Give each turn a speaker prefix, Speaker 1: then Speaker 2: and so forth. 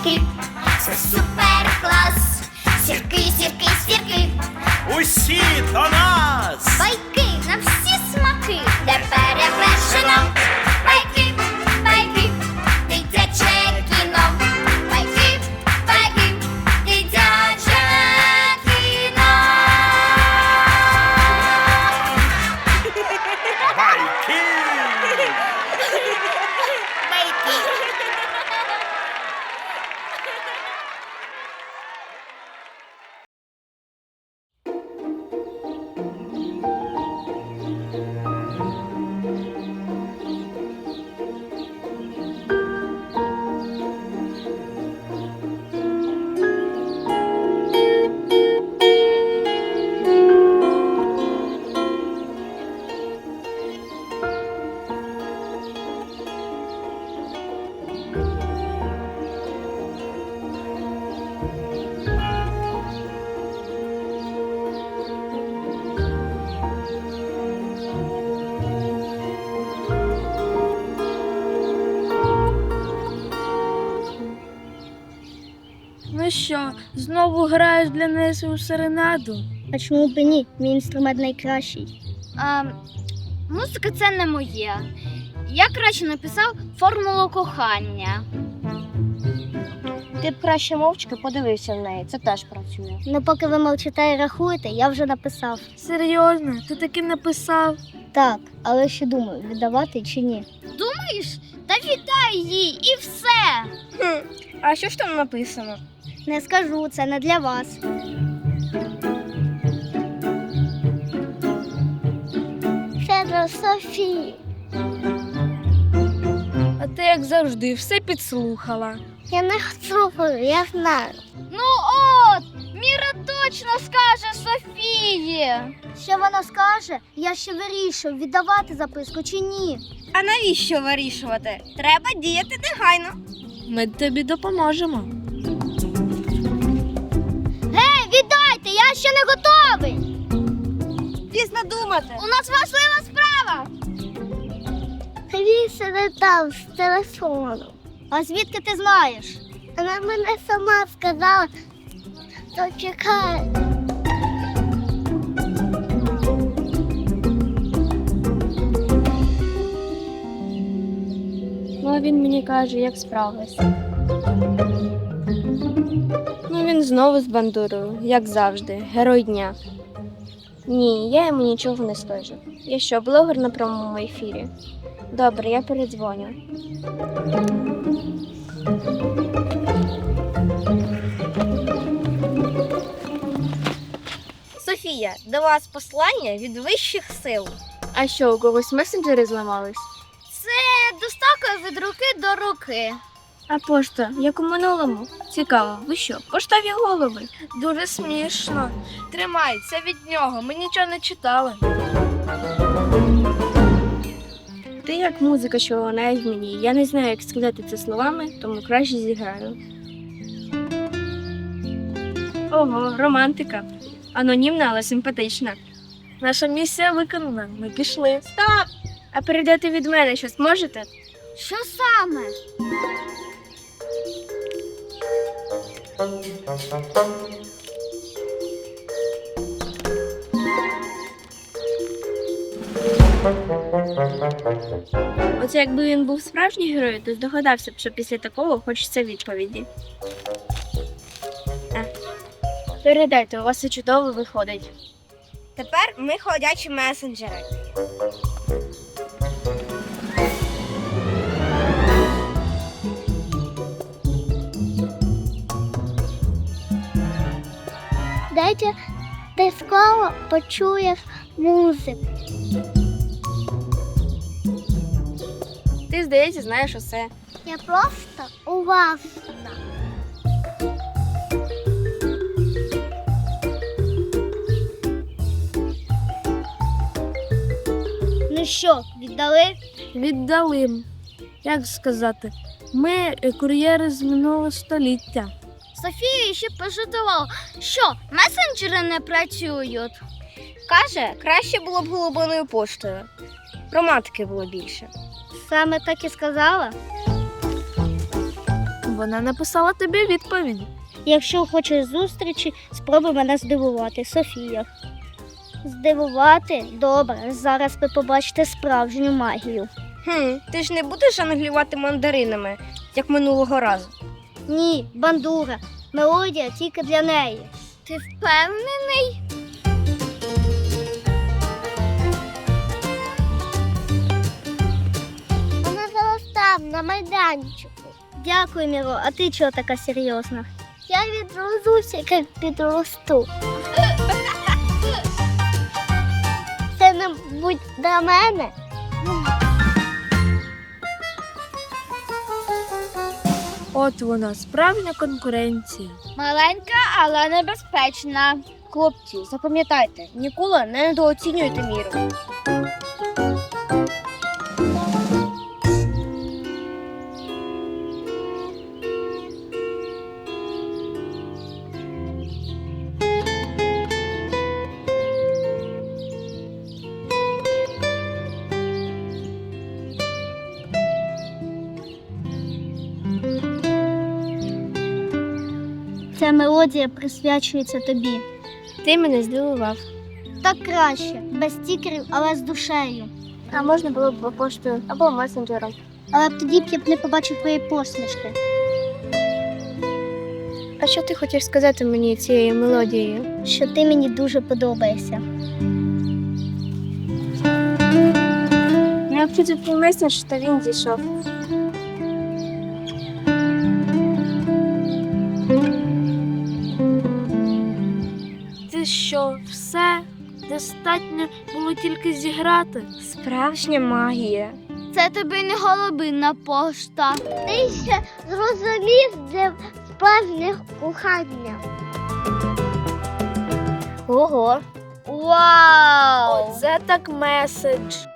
Speaker 1: байки, це супер клас. Сірки, сірки, сірки,
Speaker 2: Усі до нас!
Speaker 1: байки на всі смаки, де перевершено. Байки, байки, дитяче кіно. Байки, байки, дитяче кіно.
Speaker 2: Байки!
Speaker 3: Ну що, знову граєш для неї у серенаду?
Speaker 4: А чому б і ні? Мій інструмент найкращий.
Speaker 1: Музика це не моє. Я краще написав формулу кохання.
Speaker 4: Ти б краще мовчки подивився в неї, це теж працює. Ну поки ви мовчите і рахуєте, я вже написав.
Speaker 3: Серйозно? Ти таки написав?
Speaker 4: Так, але ще думаю, віддавати чи ні.
Speaker 1: Думаєш? Та віддай їй і все.
Speaker 3: А що ж там написано?
Speaker 4: Не скажу, це не для вас. Це для Софії.
Speaker 3: А ти, як завжди, все підслухала.
Speaker 4: Я не слухаю, я знаю.
Speaker 1: Ну от, Міра точно скаже Софії.
Speaker 4: Що вона скаже, я ще вирішую, віддавати записку чи ні.
Speaker 5: А навіщо вирішувати? Треба діяти негайно.
Speaker 3: Ми тобі допоможемо.
Speaker 4: Гей, віддайте, я ще не готовий.
Speaker 5: Пізно думати.
Speaker 1: У нас важлива справа.
Speaker 4: Він сидить там з телефону. А звідки ти знаєш? Вона мене сама сказала, то чекай.
Speaker 3: Ну, він мені каже, як справився. Ну, він знову з бандурою, як завжди, герой дня. Ні, я йому нічого не скажу. Я що, блогер на прямому ефірі? Добре, я передзвоню.
Speaker 5: Софія, до вас послання від вищих сил.
Speaker 3: А що, у когось месенджери зламались?
Speaker 1: Це доставка від руки до руки.
Speaker 3: А пошта, як у минулому? Цікаво, ви що, поштові голови? Дуже смішно. Тримай, це від нього, ми нічого не читали. Ти як музика, що вона в мені. Я не знаю, як сказати це словами, тому краще зіграю. Ого, романтика. Анонімна, але симпатична. Наша місія виконана, ми пішли. Стоп! А передати від мене щось можете?
Speaker 1: Що саме?
Speaker 3: Оце якби він був справжній герой, то здогадався б, що після такого хочеться відповіді. Передайте, у вас все чудово виходить.
Speaker 5: Тепер ми ходячі месенджери.
Speaker 4: Дайте, ти скоро почуєш музику.
Speaker 3: Ти, здається, знаєш усе.
Speaker 4: Я просто уважна. Ну що, віддали?
Speaker 3: Віддали. Як сказати, ми кур'єри з минулого століття.
Speaker 1: Софія ще пожартувала, що месенджери не працюють.
Speaker 5: Каже, краще було б голубиною поштою. Романтики було більше.
Speaker 4: Саме так і сказала?
Speaker 6: вона написала тобі відповідь.
Speaker 4: Якщо хочеш зустрічі, спробуй мене здивувати, Софія. Здивувати? Добре, зараз ви побачите справжню магію.
Speaker 5: Ти ж не будеш жонглювати мандаринами, як минулого разу.
Speaker 4: Ні, бандура, мелодія тільки для неї.
Speaker 1: Ти впевнений?
Speaker 4: Вона зараз там, на майданчику. Дякую, Міро, а ти чого така серйозна? Я відрозуся, як підросту. Це не будь до мене.
Speaker 6: От вона, справжня конкуренція.
Speaker 5: Маленька, але небезпечна. Хлопці, запам'ятайте, ніколи не недооцінюйте міру.
Speaker 4: Ця мелодія присвячується тобі.
Speaker 3: Ти мене здивував.
Speaker 4: Так краще, без стікерів, але з душею.
Speaker 3: А можна було б поштою або месенджером.
Speaker 4: Але б тоді б я б не побачив твої посмішки.
Speaker 3: А що ти хочеш сказати мені цією мелодією?
Speaker 4: Що ти мені дуже подобаєшся.
Speaker 3: Я вчити твій меседж, та він зійшов.
Speaker 6: Ти що, все? Достатньо було тільки зіграти?
Speaker 3: Справжня магія.
Speaker 5: Це тобі не голубинна пошта.
Speaker 4: Ти ще зрозумів, де справжнє кохання.
Speaker 3: Ого.
Speaker 5: Вау!
Speaker 6: Оце так меседж.